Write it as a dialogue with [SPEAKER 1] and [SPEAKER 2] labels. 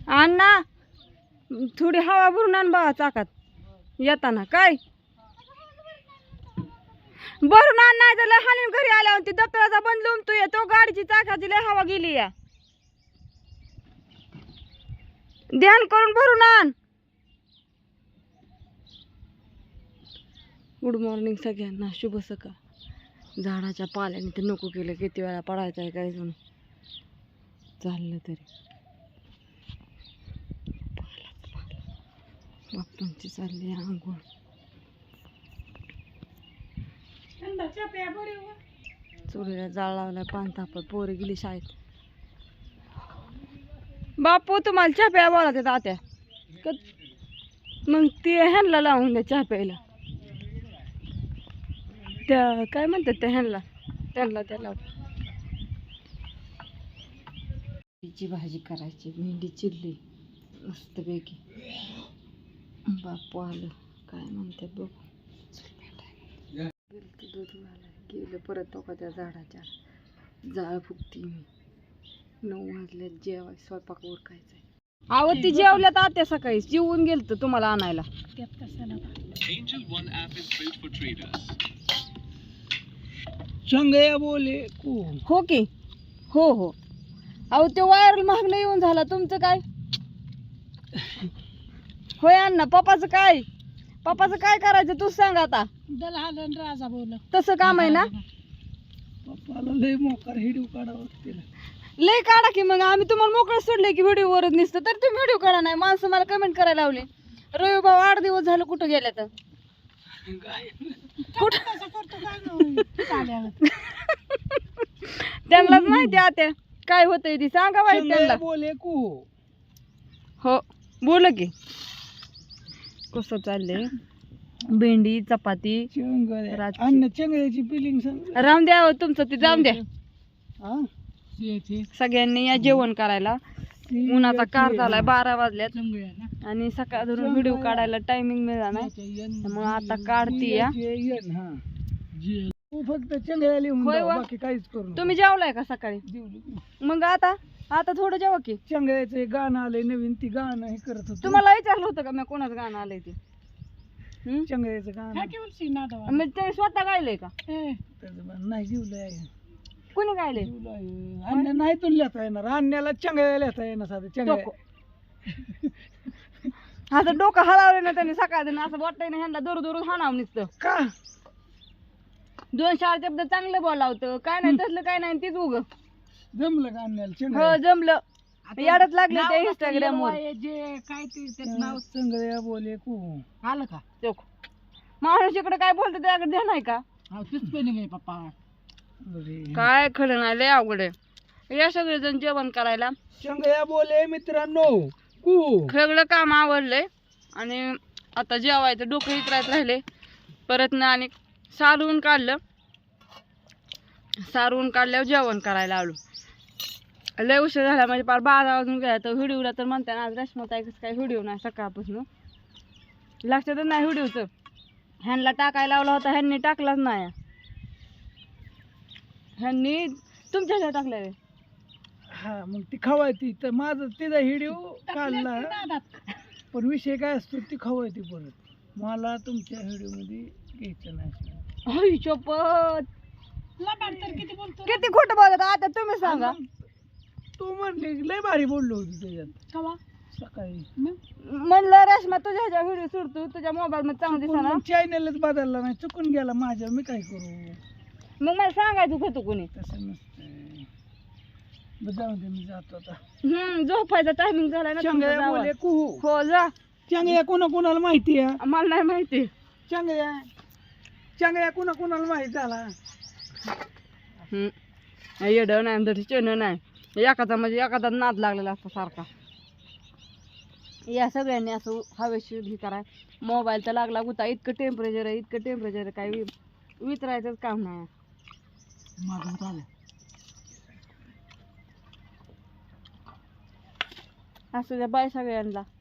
[SPEAKER 1] अण्णा थोडी हवा भरून आण बा चाकात येताना. काय भरून आण, नाही तर लय हाणून घरी आल्यावर ती दप्तराचा बंद लावून तू येतो. गाडीची चाकाची लय हवा गेली या. ध्यान करून भरून आण. गुड मॉर्निंग सगळ्यांना, शुभ सकाळ. झाडाच्या पाल्याने ते नको केलं, किती वेळा पडायचं आहे काय जण चाललं तरी. बाप्पांची चालली आंघोळ. चुलीला जाळ लावलाय, पान तापत, पोरी गेली शाळेत. बापू तुम्हाला चहा प्या बोला ते तात्या. मग ते ह्यांना लावून द्या चहा प्यायला. त्या काय म्हणतात त्या ह्यांना, त्यांना त्या भेंडीची भाजी करायची. भेंडी चिरली मस्तपैकी. बापू आलं, काय म्हणते बघू. दूध गेलं परत तो का त्या झाडाच्या जाळ फुकती मी. 9 वाजल्यात जेवाय, स्वयंपाक उरकायचा. अहो ती जेवल्यात आत्या सकाळी, जेवून गेलत तुम्हाला आणायला.
[SPEAKER 2] चंगया बोले
[SPEAKER 1] हो की हो हो. अहो ते वायर महागला येऊन झाला. तुमचं काय होय अण्णा? पप्पाचं काय, पप्पाचं काय करायचं तूच सांग आता.
[SPEAKER 2] राजा बोल
[SPEAKER 1] तसं काम आहे ना.
[SPEAKER 2] पप्पाला लय मोकार हिडीव काढावं तिला.
[SPEAKER 1] लय काढा की मग. आम्ही तुम्हाला मोकळं सोडलंय की व्हिडिओ वरच निसतं, तर तुम्ही व्हिडिओ काढा नाही. माणसं मला कमेंट करायला लावली, रवी भाऊ 8 दिवस झालं कुठं गेल्या तर त्यांनाच माहिती आता काय होतंय ती. सांगा बाई त्यांना.
[SPEAKER 2] बोले कू
[SPEAKER 1] हो बोल की. कसं चाललंय? भेंडी चपाती
[SPEAKER 2] अन्न चंगळ्याची फिलिंग सांग.
[SPEAKER 1] राम द्या हो तुमचं ते, जाऊन द्या.
[SPEAKER 2] हा
[SPEAKER 1] सगळ्यांनी या जेवण करायला. उन्हाचा कार झालाय, 12 वाजल्यात आणि सकाळ धरून व्हिडिओ काढायला टायमिंग मिळाला नाही, मग आता काढती या.
[SPEAKER 2] तू फक्त चंगळ्या लिहून
[SPEAKER 1] होय
[SPEAKER 2] द्या,
[SPEAKER 1] वा.
[SPEAKER 2] बाकी काहीच करू.
[SPEAKER 1] तुम्ही जेवलाय का सकाळी? मग आता आता थोडं जेवा की.
[SPEAKER 2] चंगळ्याचं एक गाणं आलंय नवीन, ती गाणं हे करत होतो.
[SPEAKER 1] तुम्हाला विचारलं होतं का मी कोणाचं गाणं आलंय ते?
[SPEAKER 2] चंगळ्याचं गाणं
[SPEAKER 1] मग ते स्वतः गायलंय का?
[SPEAKER 2] नाही जीवलंय.
[SPEAKER 1] कोणी गायलंय?
[SPEAKER 2] अन्य नाही तुला लिहिता येणार. अन्याला चंगळ्या लिहिता येणार साधं चंगळ्या.
[SPEAKER 1] असं डोकं हलावलं ना त्यांनी सकाळ असं वाटतंय ना ह्यांना दूर दूर हाणावं नुसतं.
[SPEAKER 2] का
[SPEAKER 1] 2-4 शब्द चांगलं बोलावतं, काय नाही तसलं काय नाही, तीच उग.
[SPEAKER 2] जमलं का अन्याला
[SPEAKER 1] हो
[SPEAKER 2] चंगळ्या?
[SPEAKER 1] जमलं. याडच लागले ते इंस्टाग्राम वर.
[SPEAKER 2] जे काय ते चंगळ्या बोले कू आलं का?
[SPEAKER 1] चोख माणूस इकडे काय बोलतो त्याकडे ध्यान आहे का?
[SPEAKER 2] पप्पा
[SPEAKER 1] काय खरं नाही, लय अवघड आहे. या सगळेजण जेवण करायला.
[SPEAKER 2] चंगळ्या बोले मित्रांनो कू.
[SPEAKER 1] सगळं काम आवडलंय आणि आता जेवायचं, डोकं इतरायचं राहिले. परत ना आणि सारवून काढलं. सारवून काढल्यावर जेवण करायला आलो. लय उशीर झाला म्हणजे पार 12 वाजून गेला. तर व्हिडिओला तर म्हणते ना आज रश्मताई कसं काय व्हिडिओ नाही सकाळपासून, लक्षातच नाही व्हिडिओचं. ह्यांना टाकायला लावला होता, ह्यांनी टाकलाच नाही. ह्यांनी तुमच्या ह्याला टाकलाय.
[SPEAKER 2] हा मग ती खवायती तर माझं तिचा हिडिओ काढला, पण विषय काय असतो ती खवायती परत. मला तुमच्या व्हिडिओ मध्ये घ्यायचं नाही.
[SPEAKER 1] शपथ किती खोटं बोलत आता तुम्ही सांगा.
[SPEAKER 2] तू म्हणली लय भारी बोललो होती त्याच्यात सकाळी.
[SPEAKER 1] म्हणलं रेश्मा तुझ्या ह्याच्या व्हिडिओ सोडतो, तुझ्या मोबाईल मध्ये चांगलं दिसना.
[SPEAKER 2] चॅनलच बदलला नाही, चुकून गेला माझ्या, मी काय करू.
[SPEAKER 1] मग मला सांगायचं होतं कोणी.
[SPEAKER 2] तसं नसतंय. जाऊ दे, मी जातो आता.
[SPEAKER 1] झोपायचा टायमिंग झाला ना.
[SPEAKER 2] चंगळ्या बोले कू.
[SPEAKER 1] हो जा.
[SPEAKER 2] चंगळ्या कोणा कोणाला माहिती आहे?
[SPEAKER 1] मला नाही माहिती.
[SPEAKER 2] चंगळ्या चंगळ्या कोणा कोणाला माहिती झाला?
[SPEAKER 1] येड नाही तरी चेन नाही. एखादा म्हणजे एखादा नाद लागलेला असतो सारखा. या सगळ्यांनी असं हवेशीर हे कराय. मोबाईल तर लागला गुता. इतकं टेम्परेचर आहे, इतकं टेम्परेचर आहे, काही विचारायचंच काम नाही. असं द्या बाय सगळ्यांना.